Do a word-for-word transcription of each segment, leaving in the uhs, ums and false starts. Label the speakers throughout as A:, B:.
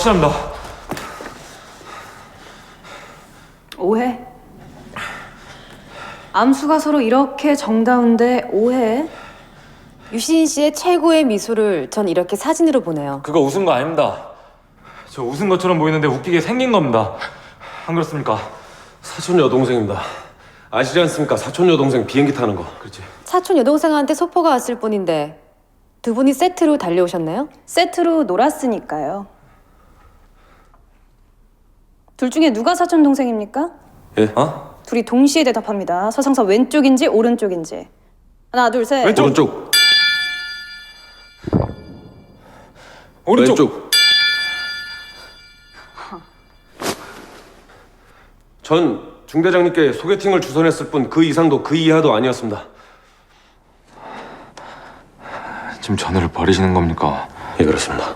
A: 확실합니다.
B: 오해? 암수가 서로 이렇게 정다운데 오해?
C: 유시인 씨의 최고의 미소를 전 이렇게 사진으로 보네요.
A: 그거 웃은 거 아닙니다. 저 웃은 것처럼 보이는데 웃기게 생긴 겁니다. 안 그렇습니까?
D: 사촌 여동생입니다. 아시지 않습니까? 사촌 여동생 비행기 타는 거. 그렇지.
C: 사촌 여동생한테 소포가 왔을 뿐인데 두 분이 세트로 달려오셨나요?
B: 세트로 놀았으니까요. 둘 중에 누가 사촌 동생입니까?
D: 예?
A: 어?
B: 둘이 동시에 대답합니다. 서상사 왼쪽인지 오른쪽인지. 하나, 둘, 셋.
A: 왼쪽.
D: 오른쪽.
A: 오른쪽.
D: 왼쪽. 전 중대장님께 소개팅을 주선했을 뿐 그 이상도 그 이하도 아니었습니다.
A: 지금 전우를 버리시는 겁니까?
D: 예, 그렇습니다.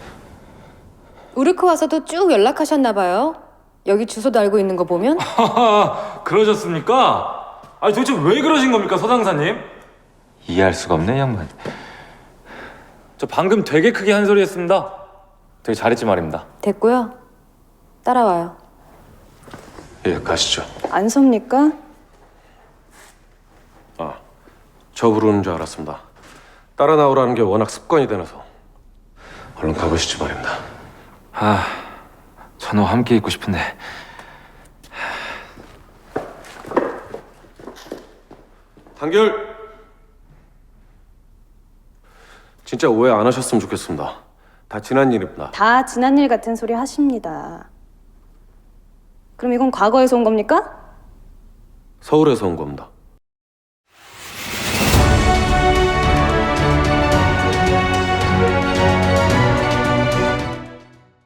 C: 우르크 와서도 쭉 연락하셨나 봐요. 여기 주소도 알고 있는 거 보면.
A: 하하, 그러셨습니까? 아니 도대체 왜 그러신 겁니까, 서장사님?
E: 이해할 수가 없네, 이 양반.
A: 저 방금 되게 크게 한 소리 했습니다. 되게 잘했지 말입니다.
C: 됐고요. 따라와요.
D: 예, 가시죠.
B: 안 섭니까?
D: 아, 저 부르는 줄 알았습니다. 따라 나오라는 게 워낙 습관이 되나서. 얼른 가보시지 말입니다.
E: 아, 전우 함께 있고 싶은데.
D: 단결. 진짜 오해 안 하셨으면 좋겠습니다. 다 지난 일입니다.
B: 다 지난 일 같은 소리 하십니다. 그럼 이건 과거에서 온 겁니까?
D: 서울에서 온 겁니다.